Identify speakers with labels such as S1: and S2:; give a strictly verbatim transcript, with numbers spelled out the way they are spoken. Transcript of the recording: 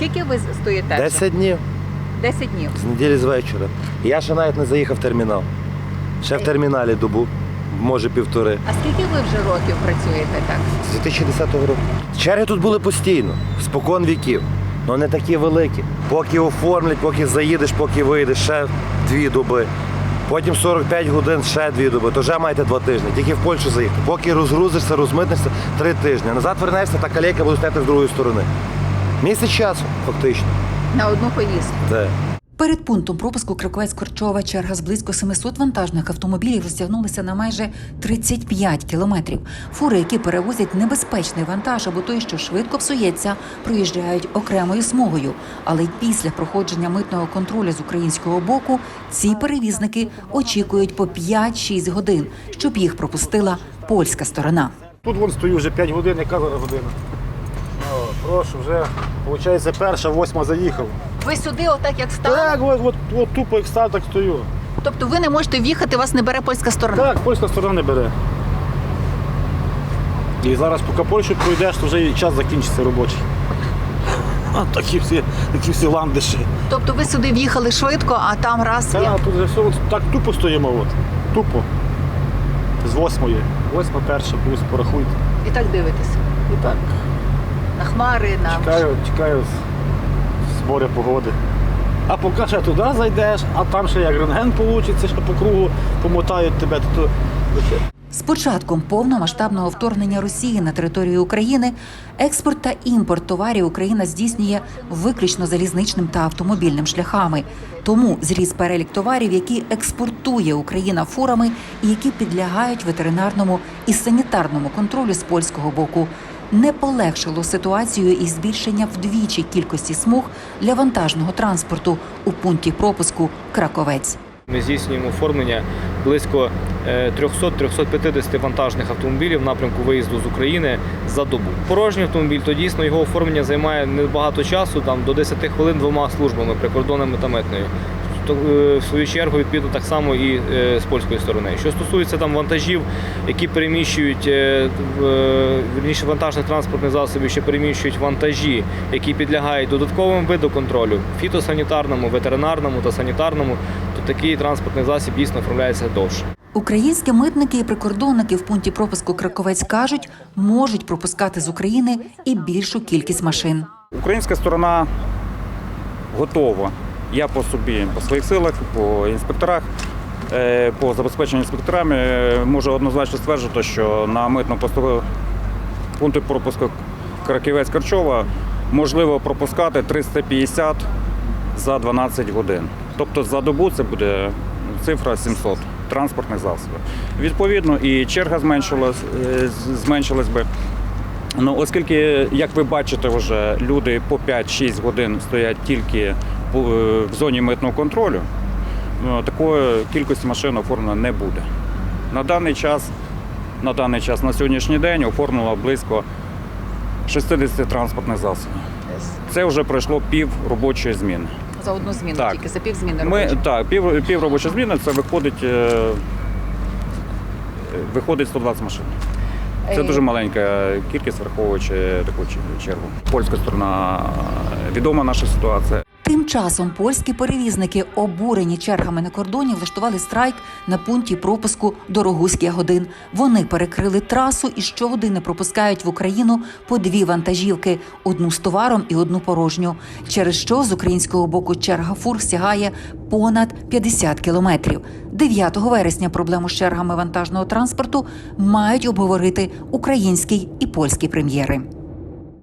S1: Скільки ви стоїте? вже?
S2: Десять днів
S1: Десять днів.
S2: з неділі з вечора. Я ще навіть не заїхав в термінал. Ще в терміналі добу, може півтори.
S1: А скільки ви вже років працюєте так?
S2: З дві тисячі десятого року. Черги тут були постійно, спокон віків. але не такі великі. Поки оформлять, поки заїдеш, поки вийдеш, ще дві доби. Потім сорок п'ять годин, ще дві доби, то вже маєте два тижні. Тільки в Польщу заїхати. Поки розгрузишся, розмитнешся, три тижні. Назад вернешся, та калейка буде стояти з другої сторони. Місяць часу, фактично.
S1: На одну поїздку.
S2: Так.
S3: Перед пунктом пропуску Краковець-Корчова черга з близько семисот вантажних автомобілів розтягнулася на майже тридцять п'ять кілометрів. Фури, які перевозять небезпечний вантаж або той, що швидко псується, проїжджають окремою смугою. Але й після проходження митного контролю з українського боку ці перевізники очікують по п'ять-шість годин, щоб їх пропустила польська сторона.
S4: Тут вон стою вже п'ять годин, яка година? О, прошу, вже, виходить, перша, восьма заїхав.
S1: Ви сюди отак як стали?
S4: Так, от, от, от тупо як став, так стою.
S1: Тобто ви не можете в'їхати, вас не бере польська сторона?
S4: Так, польська сторона не бере. І зараз, поки Польщу пройдеш, то вже і час закінчиться робочий. А такі всі, такі всі ландиші.
S1: Тобто ви сюди в'їхали швидко, а там раз... і-
S4: Так, тут вже все, от, так тупо стоїмо, от. Тупо. З восьмої. Восьма, перша, плюс, порахуйте.
S1: І так дивитеся.
S4: І так.
S1: На хмари, на...
S4: Чекаю, чекаю з моря погоди. А поки ще туди зайдеш, а там ще як рентген вийде, ще по кругу помотають тебе. То...
S3: З початком повномасштабного вторгнення Росії на територію України експорт та імпорт товарів Україна здійснює виключно залізничним та автомобільним шляхами. Тому зріс перелік товарів, які експортує Україна фурами і які підлягають ветеринарному і санітарному контролю з польського боку. Не полегшило ситуацію і збільшення вдвічі кількості смуг для вантажного транспорту у пункті пропуску Краковець.
S5: Ми здійснюємо оформлення близько триста-триста п'ятдесят вантажних автомобілів в напрямку виїзду з України за добу. Порожній автомобіль, то дійсно його оформлення займає небагато часу, там до десяти хвилин двома службами, прикордонними та митною. В свою чергу, відповідно, так само і з польської сторони. Що стосується там вантажів, які переміщують, вірніше, вантажних транспортних засобів, що переміщують вантажі, які підлягають додатковим виду контролю, фітосанітарному, ветеринарному та санітарному, то такий транспортний засіб дійсно оформляється довше.
S3: Українські митники і прикордонники в пункті пропуску Краковець кажуть, можуть пропускати з України і більшу кількість машин.
S6: Українська сторона готова. Я по собі, по своїх силах, по інспекторах, по забезпеченню інспекторами можу однозначно стверджувати, що на митному посту пункті пропуску Краковець-Корчова можливо пропускати триста п'ятдесят за дванадцять годин. Тобто за добу це буде цифра сімсот транспортних засобів. Відповідно, і черга зменшилась, зменшилась би. Ну, оскільки, як ви бачите, вже люди по п'ять-шість годин стоять тільки в зоні митного контролю, такої кількості машин оформлено не буде. На даний час, на даний час, на сьогоднішній день оформлено близько шістдесят транспортних засобів. Це вже пройшло пів робочої зміни.
S1: За одну зміну,
S6: так.
S1: тільки за пів зміни
S6: Ми,
S1: робочої.
S6: так, пів, пів робочої зміни, це виходить, виходить сто двадцять машин. Це дуже маленька кількість, враховуючи таку чергу. Польська сторона відома наша ситуація.
S3: Тим часом польські перевізники, обурені чергами на кордоні, влаштували страйк на пункті пропуску Дорогуський Ягодин. Вони перекрили трасу і щогодини пропускають в Україну по дві вантажівки – одну з товаром і одну порожню. Через що з українського боку черга фур сягає понад п'ятдесят кілометрів. дев'ятого вересня проблему з чергами вантажного транспорту мають обговорити український і польські прем'єри.